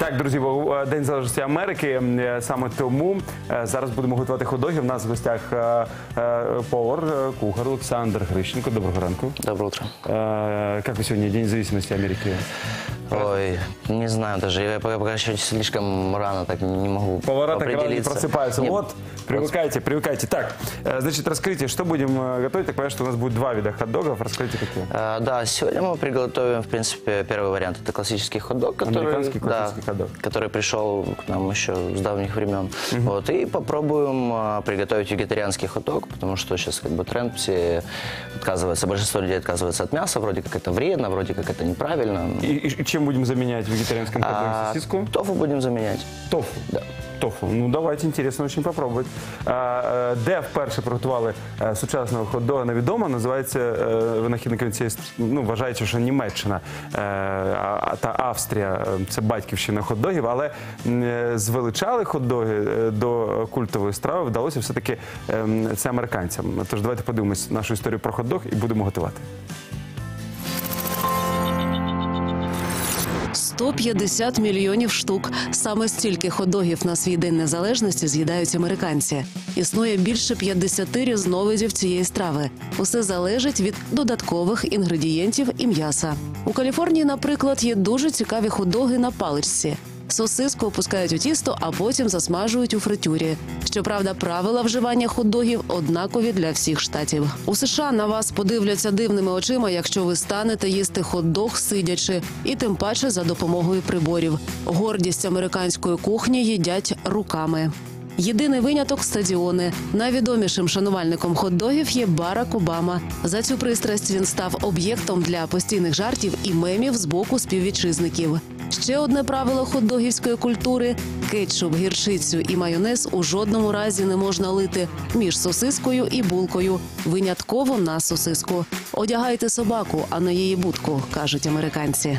Так, друзі, День Незалежності Америки. Саме тому зараз будемо готувати хот-доги. У нас в гостях повар, кухар Олександр Грищенко. Доброго ранку. Доброе утро. Как вы сегодня, День независимости Америки? Ой, не знаю даже, я пока еще слишком рано, так не могу Повара так рано не определиться. просыпаются. Нет. Вот, привыкайте, привыкайте. Так, значит, расскажите, что будем готовить? Так понимаю, что у нас будет два вида хот-догов. Расскажите, какие. Да, сегодня мы приготовим, в принципе, первый вариант. Это классический хот-дог, Американский классический хот-дог. который пришел к нам еще с давних времен. Вот, и попробуем приготовить вегетарианский хот-дог, потому что сейчас как бы тренд, все отказываются, большинство людей отказываются от мяса, вроде как это вредно, вроде как это неправильно. И чем будем заменять в вегетарианском хот-доге? Сосиску? Тофу будем заменять. Тофу? Да. Тофу. Ну, давайте, интересно очень попробовать. Де вперше приготували сучасного хот-дога, невідомо. Називається винахідником цієї, ну, вважається, що Німеччина та Австрія – це батьківщина хот-догів, але звеличали хот-доги до культової страви вдалося все-таки це американцям. Тож давайте подивимось нашу історію про хот-дог і будемо готувати. 150 мільйонів штук. Саме стільки хот-догів на свій День Незалежності з'їдають американці. Існує більше 50 різновидів цієї страви. Усе залежить від додаткових інгредієнтів і м'яса. У Каліфорнії, наприклад, є дуже цікаві хот-доги на паличці. Сосиску опускають у тісто, а потім засмажують у фритюрі. Щоправда, правила вживання хот-догів однакові для всіх штатів. У США на вас подивляться дивними очима, якщо ви станете їсти хот-дог сидячи, і тим паче за допомогою приборів. Гордість американської кухні їдять руками. Єдиний виняток – стадіони. Найвідомішим шанувальником хот-догів є Барак Обама. За цю пристрасть він став об'єктом для постійних жартів і мемів з боку співвітчизників. Ще одне правило хот-догівської культури – кетчуп, гірчицю і майонез у жодному разі не можна лити між сосискою і булкою. Винятково на сосиску. Одягайте собаку, а не її будку, кажуть американці.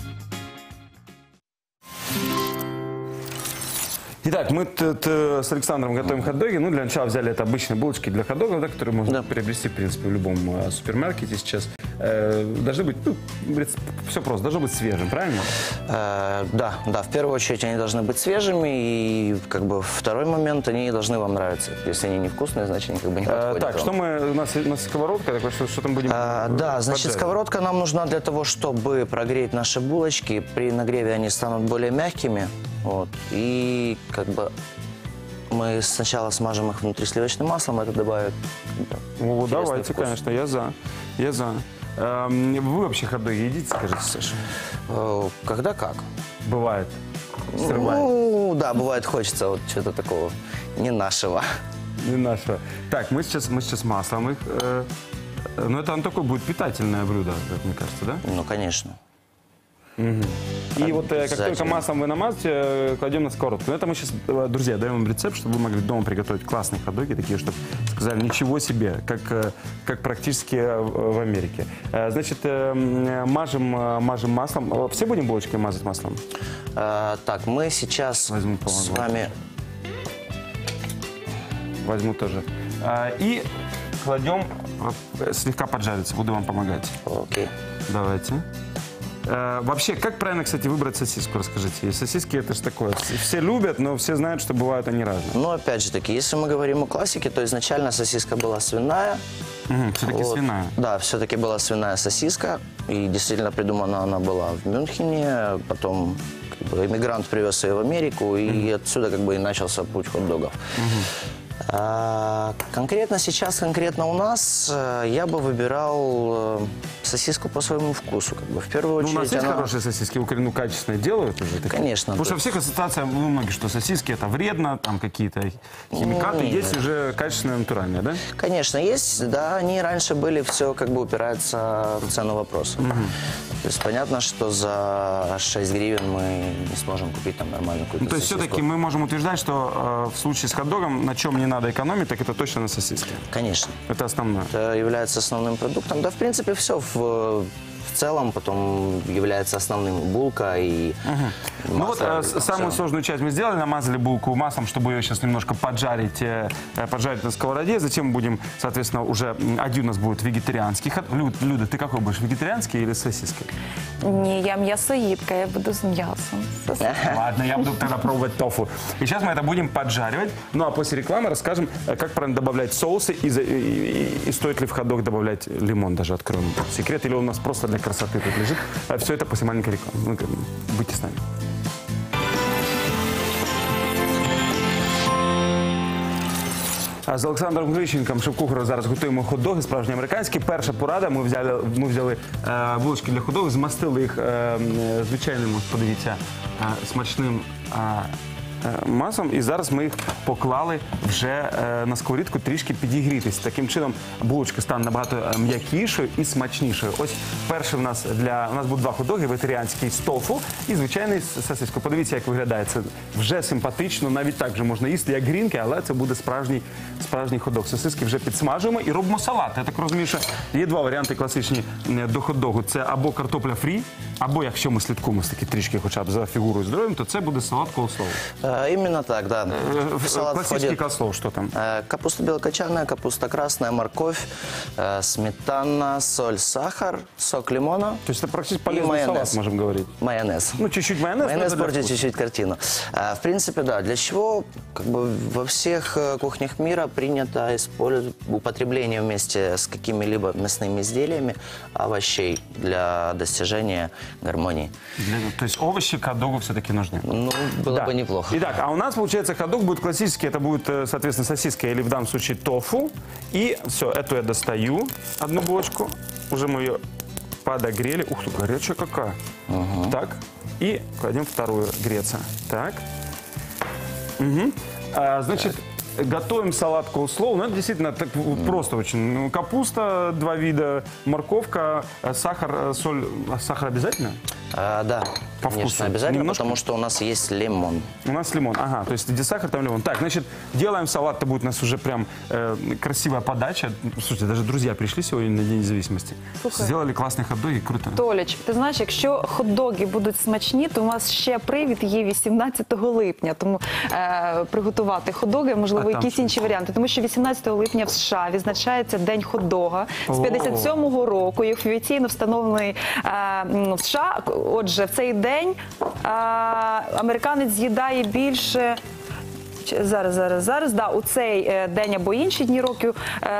Итак, мы тут с Александром готовим хот-доги. Ну, для начала взяли это обычные булочки для хот-догов, да, которые можно приобрести, в принципе, в любом супермаркете сейчас. Должны быть, ну, все просто, должно быть свежим, правильно? Да, в первую очередь они должны быть свежими, и как бы второй момент, они должны вам нравиться. Если они невкусные, значит они как бы не подходят. Так, что у нас сковородка, такой, что там будем да, значит, сковородка нам нужна для того, чтобы прогреть наши булочки. При нагреве они станут более мягкими. Вот. И как бы мы сначала смажем их внутри сливочным маслом, это добавит. Ну, давайте, вкус. конечно, я за. Вы вообще хот-доги едите, скажите, Саша? Когда как? Бывает. Срывает. Ну, да, бывает, хочется вот что-то такого не нашего. Не нашего. Так, мы сейчас маслом их. Но это такое будет питательное блюдо, как мне кажется, да? Ну, конечно. И вот как только маслом вы намазываете, кладем на сковородку. Но это мы сейчас, друзья, даем вам рецепт, чтобы вы могли дома приготовить классные хот-доги, такие, чтобы сказали, ничего себе, как практически в Америке. Значит, мажем маслом. Все будем булочки мазать маслом? Так, мы сейчас с вами... Возьму тоже. И кладем, слегка поджариться, буду вам помогать. Окей. Давайте. Вообще, как правильно, кстати, выбрать сосиску, расскажите. И сосиски это же такое, все любят, но все знают, что бывают они разные. Ну, опять же таки, если мы говорим о классике, то изначально сосиска была свиная. Все-таки Вот. свиная. Да, все-таки была свиная сосиска, и действительно придумана она была в Мюнхене, потом как бы, иммигрант привез ее в Америку, и отсюда как бы и начался путь хот-догов. Конкретно сейчас, конкретно у нас, я бы выбирал сосиску по своему вкусу. Как бы. В первую очередь, у нас есть хорошие сосиски, ну, качественные делают уже? Такие? Конечно. Потому что у всех ассоциация, у многих, что сосиски это вредно, там какие-то химикаты, есть уже качественные, натуральные, да? Конечно, есть, да, они раньше были, все как бы упирается в цену вопроса. То есть понятно, что за 6 гривен мы не сможем купить там нормальную какую-то Ну, то есть сосиску. все-таки мы можем утверждать, что в случае с хот-догом на чем не надо экономить, так это точно на сосиске. Конечно. Это основное. Это является основным продуктом. Да, в принципе, все в целом потом является основным булка и Ну вот масло. самую сложную часть мы сделали, намазали булку маслом, чтобы ее сейчас немножко поджарить, поджарить на сковороде. Затем будем, соответственно, уже один у нас будет вегетарианский. Люда, ты какой будешь, вегетарианский или с сосиской? Ні, я м'ясоїдка, я буду з м'ясом. Ладно, я буду тогда пробовать тофу. И сейчас мы это будем поджаривать. Ну а после рекламы расскажем, как правильно добавлять соусы и стоит ли в хот-дог добавлять лимон, даже откроем секрет, или он у нас просто для красоты тут лежит. Все это после маленькой рекламы. Ну, будьте с нами. З Олександром Грищенком, шеф-кухарем, зараз готуємо хот-доги справжні американські. Перша порада, ми взяли булочки для хот-догів, змастили їх звичайним, ось подивіться, смачним маслом. І зараз ми їх поклали вже на сковорідку трішки підігрітись. Таким чином булочка стане набагато м'якішою і смачнішою. Ось перший у нас будуть два хот-доги, вегетаріанський з тофу і звичайний з сосискою. Подивіться, як виглядає. Це вже симпатично, навіть так вже можна їсти, як грінки, але це буде справжній хот-дог. Сосиски вже підсмажуємо і робимо салат. Я так розумію, що є два варіанти класичні до хот-догу. Це або картопля фрі, або якщо ми слідкуємо таки трішки хоча б за фігурою здоров'ям, то це буде салат коуслоу. Именно так, да. В салат Классический входит коуслоу, что там? капуста белокочанная, капуста красная, морковь, сметана, соль, сахар, сок лимона. То есть это практически и полезный салат, майонез. можем говорить. Майонез. Ну, чуть-чуть майонез. Майонез но это для портит вкуса. чуть-чуть картину. В принципе, да. Для чего как бы во всех кухнях мира принято использовать употребление вместе с какими-либо мясными изделиями овощей для достижения гармонии. То есть овощи к хот-догу все-таки нужны. Ну, было Да. бы неплохо. Итак, а у нас, получается, хот-дог будет классический. Это будет, соответственно, сосиска или в данном случае тофу. И все, эту я достаю, одну булочку. Уже мы ее подогрели. Ух ты, горячая какая. Так, и кладем вторую греться. Так. Угу. Значит, готовим салат коуслоу. Ну, это действительно так просто очень. Ну, капуста, два вида, морковка, сахар, соль. А сахар обязательно? Да, По конечно, вкусу. обязательно, Немножко? потому что у нас есть лимон. У нас лимон. Ага, то есть где сахар, там лимон. Так, значит, делаем салат. Это будет у нас уже прям красивая подача. Слушайте, даже друзья пришли сегодня на День независимости. Слухай. Сделали классные хот-доги, круто. Толіч, ти знаєш, якщо хот-доги будуть смачні, то у нас ще привід є 18 липня. Тому приготувати хот-доги, можливо, А там якісь що? інші варіанти. Тому що 18 липня в США відзначається День хот-дога. З О. 57-го року, як офіційно встановлений в США. Отже, в цей день американець з'їдає більше... Зараз, да, у цей день або інші дні років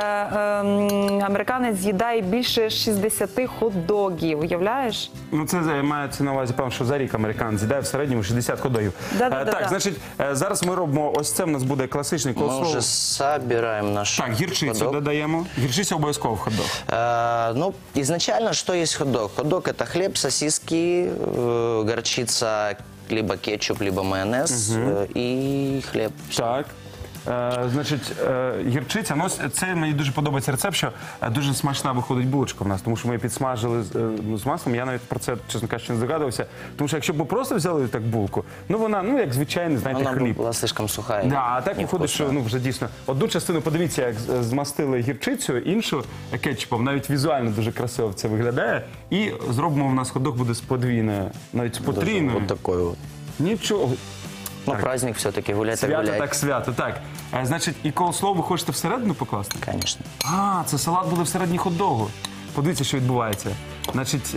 американець з'їдає більше 60 хот-догів, уявляєш? Ну, це мається на увазі, певно, що за рік американець з'їдає в середньому 60 хот-догів. Да-да-да-да. Так, значить, зараз ми робимо, ось це в нас буде класичний Мы коуслоу. уже собираем наш Так, гірчицю хот-дог. додаємо. Гірчиця обов'язково в хот-дог. Ну, изначально, что есть хот-дог? Хот-дог – это хлеб, сосиски, горчица, либо кетчуп, либо майонез и хлеб. Так. Значить, гірчиця. Ну, ось це мені дуже подобається рецепт, що дуже смачна виходить булочка в нас, тому що ми її підсмажили з маслом. Я навіть про це, чесно кажучи, не здогадувався. Тому що якщо б ми просто взяли так булку, ну вона, ну як звичайний, знаєте, Она хліб. была слишком сухая. Да, а так невкусная. виходить, що ну вже дійсно одну частину, подивіться, як змастили гірчицею, іншу кетчупом. Навіть візуально дуже красиво це виглядає. І зробимо в нас хот-дог буде з подвійною, навіть з потрійною. Вот такой вот. Нічого. Ну, праздник все-таки, гулять так Свято гулять. так свято. Так. Значить, і коуслоу ви хочете всередину покласти? Конечно. А, це салат буде всередині хот-догу. Подивіться, що відбувається. Значить,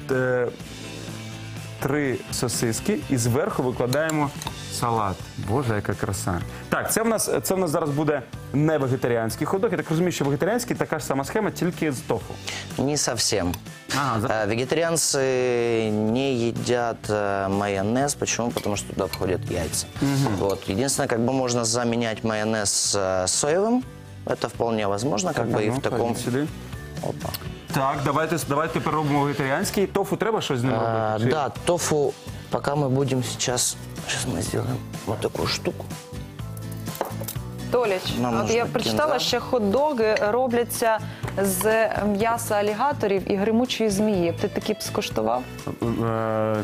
3 сосиски і зверху викладаємо салат. Боже, яка краса. Так, це в нас зараз буде не вегетаріанський хот-дог. Я так розумію, що вегетаріанський така ж сама схема, тільки з тофу. Не совсем. Ага, Вегетарианцы не едят майонез. Почему? Потому что туда входят яйца. Вот. Единственное, как бы можно заменять майонез соевым. Это вполне возможно, как бы и в таком... Сюди. Опа. Так, давайте тепер робимо вегетаріанський. Тофу треба щось з ним робити? Чи- Да, тофу, пока мы будем сейчас мы сделаем вот такую штуку. Толіч, Нам от нужно я прочитала, кінза. що хот-доги робляться з м'яса алігаторів і гримучої змії. Ти такі б скуштував?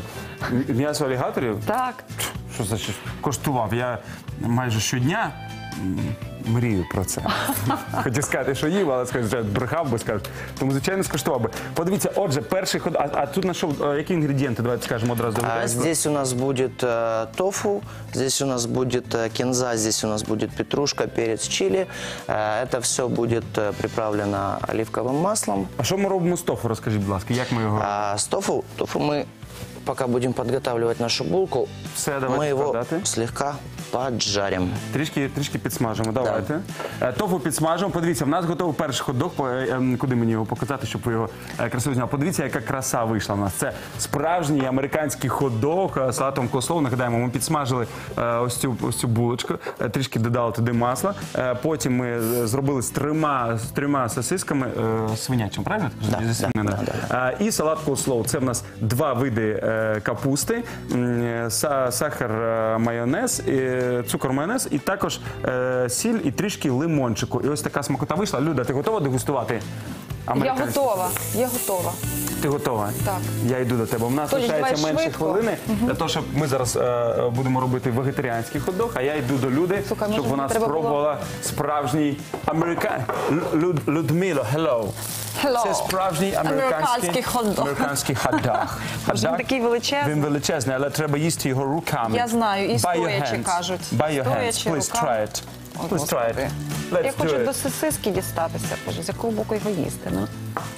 М'ясо алігаторів? Так. Що значить коштував? Я майже щодня мрію про це. Хотів сказати, що їв, але скажу, що брехав би, скажу. Тому, звичайно, скуштував би. Подивіться, отже, перший ход... А тут на що, які інгредієнти? Давайте скажемо одразу. Здесь у нас будет тофу, здесь у нас будет кинза, здесь у нас будет петрушка, перец, чили. Это все будет приправлено оливковым маслом. А що ми робимо з тофу? Розкажіть, будь ласка, як ми його... С тофу мы, пока будем подготавливать нашу булку, Все, давайте мы его складати. слегка поджарим. Трішки підсмажимо, давайте. Тофу підсмажимо. Подивіться, в нас готовий перший хот-дог. Куди мені його показати, щоб ви його красиво зняли? Подивіться, яка краса вийшла в нас. Це справжній американський хот-дог з салатом кослоу. Нагадаємо, ми підсмажили ось цю булочку, трішки додали туди масла. Потім ми зробили з трьома сосисками свинячим, правильно? Зі свинини. І салат кослоу. Це в нас два види капусти, сахар, майонез, цукор, майонез і також сіль і трішки лимончику. І ось така смакота вийшла. Люда, ти готова дегустувати? Я американський? готова. Ти готова? Так. Я йду до тебе. У нас Толі, лишається давай менше швидко. хвилини для того, щоб ми зараз будемо робити вегетаріанський хот-дог, а я йду до Люди, Слухай, щоб може, вона треба було- спробувала справжній Людмило, hello. Hello. Це справжній Американський хот-дог. Американський хот-дог. Може, він Хот-дог. такий величезний? Він величезний, але треба їсти його руками. Я знаю, і By your стоячи hands. кажуть. By your hands. Стоячи Please руками. try it. О, Please try it. Господи. Let's Я хочу do до it. сосиски дістатися. Боже, з якого боку його їсти? Ну?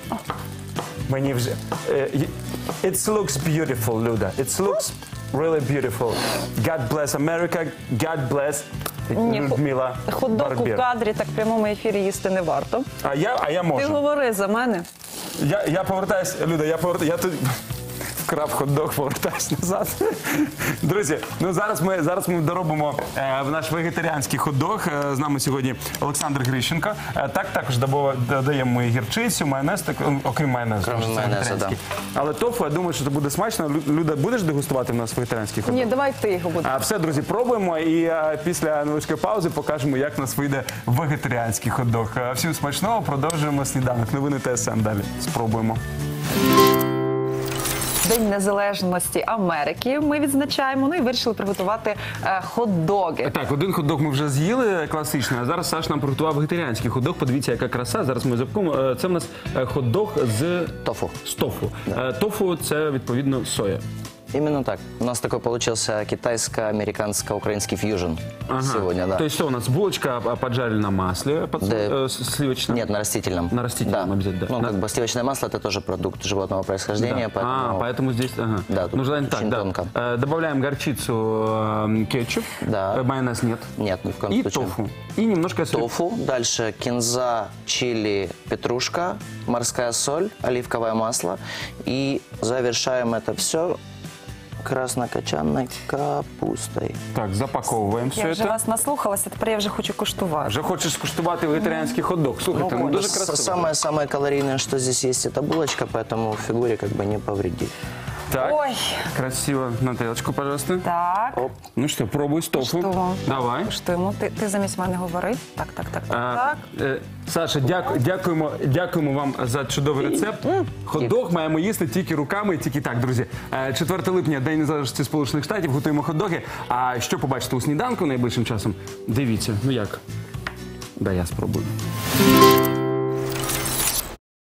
Мені вже... It looks beautiful, Люда. It looks really beautiful. God bless America. God bless Людмила Хот-дог у Барбєр. кадрі так в прямому ефірі їсти не варто. А я Ти можу. говори за мене. Я повертаюсь, Люда, я тут вкрав хот-дог, повертаюсь назад. Друзі, ну зараз ми доробимо наш вегетаріанський хот-дог. З нами сьогодні Олександр Грищенко. Також додаємо ми гірчицю, майонез, окрім майонезу. Крім це майонезу, вегетаріанський. Але тофу, я думаю, що це буде смачно. Люда, будеш дегустувати в нас вегетаріанський хот-дог? Ні, давай ти його будеш. А все, друзі, пробуємо і після невеличкої паузи покажемо, як у нас вийде вегетаріанський хот-дог. Всім смачного, продовжуємо сніданок. Новини ТСН далі. Спробуємо. День Незалежності Америки ми відзначаємо, ну і вирішили приготувати хот-доги. Так, один хот-дог ми вже з'їли класичний, а зараз Саш нам приготував вегетаріанський хот-дог. Подивіться, яка краса. Зараз ми запакуємо. Це в нас хот-дог з Тофу. тофу. Тофу – це, відповідно, соя. Именно так. У нас такой получился китайско-американско-украинский фьюжн сегодня, да. То есть что у нас? Булочка поджарили на масле Да. сливочном? Нет, на растительном. На растительном да. обязательно, да. Ну, На- как бы сливочное масло – это тоже продукт животного происхождения, Да. поэтому... Поэтому здесь... Ага. Да, тут ну, желательно так, очень да. тонко. Добавляем горчицу, кетчуп, Да. Майонез нет. Нет, ни в коем И случае. тофу. И немножко сливок. Тофу, дальше кинза, чили, петрушка, морская соль, оливковое масло. И завершаем это все краснокочанной капустой. Так, запаковуємо все Я вже це. вас наслухалася, тепер я вже хочу куштувати. Вже хочеш скуштувати вегетаріанський хот-дог. Слухайте, ну дуже красиво. Самое калорийное, что здесь есть, это булочка, поэтому фигуре как бы не повредит. Так, Ой. красиво. На тарелочку, пожалуйста. Так, Ну що, пробуй з тофу. Куштуємо. Давай. куштуємо. Ти замість мене говори. Так. Саша, дякуємо вам за чудовий рецепт. Хот-дог маємо їсти тільки руками, тільки так, друзі. 4 липня, День Незалежності Сполучених Штатів, готуємо хот-доги. А що побачите у сніданку найближчим часом? Дивіться, ну як? Да, я спробую.